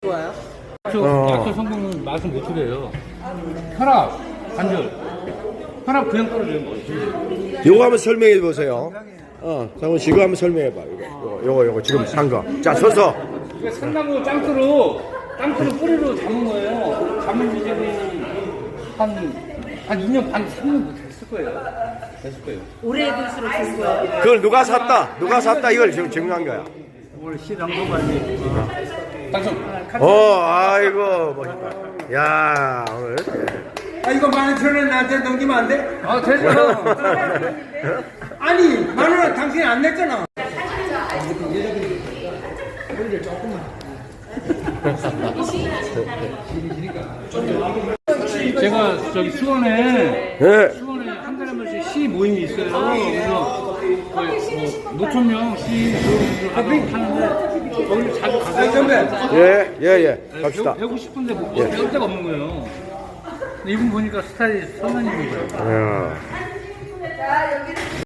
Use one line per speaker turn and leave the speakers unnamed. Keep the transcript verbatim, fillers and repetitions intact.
좋아요?
어. 약초 성분은 맛을 못 줄여요. 혈압, 관절. 혈압 그냥 떨어지는 거예요.
요거 한번 설명해 보세요. 어, 장훈 씨, 이거 한번 설명해 봐. 이거, 요거, 요거 지금 산 거. 자, 서서.
이게 산나무 짱크로, 짱크로 뿌리로 담은 거예요. 담은 지점이 한, 한 이 년 반, 삼 년 됐을 거예요. 됐을 거예요.
오래 해둘수록 좋은 거예요.
그걸 누가 샀다? 누가 샀다? 이걸 지금 증명한 거야.
오늘 시장도가니 당첨.
어, 아이고, 멋있다. 야, 오늘.
아 이거 만 원천 원 나한테 넘기면 안 돼?
아, 됐어.
아니 만 원 당신이 안 냈잖아.
제가 저기 수원에,
네.
수원에 한 달에 한 번씩 시 모임이 있어요. 그래서 뭐 노천명 시 모임을 하는데 거기 자주 가서
선배.
예, 예, 예. 갑시다.
배우고 싶은데 뭐 배울 데가 없는 거예요. 근데 이분 보니까 스타일이 선배님인 거예요.
야.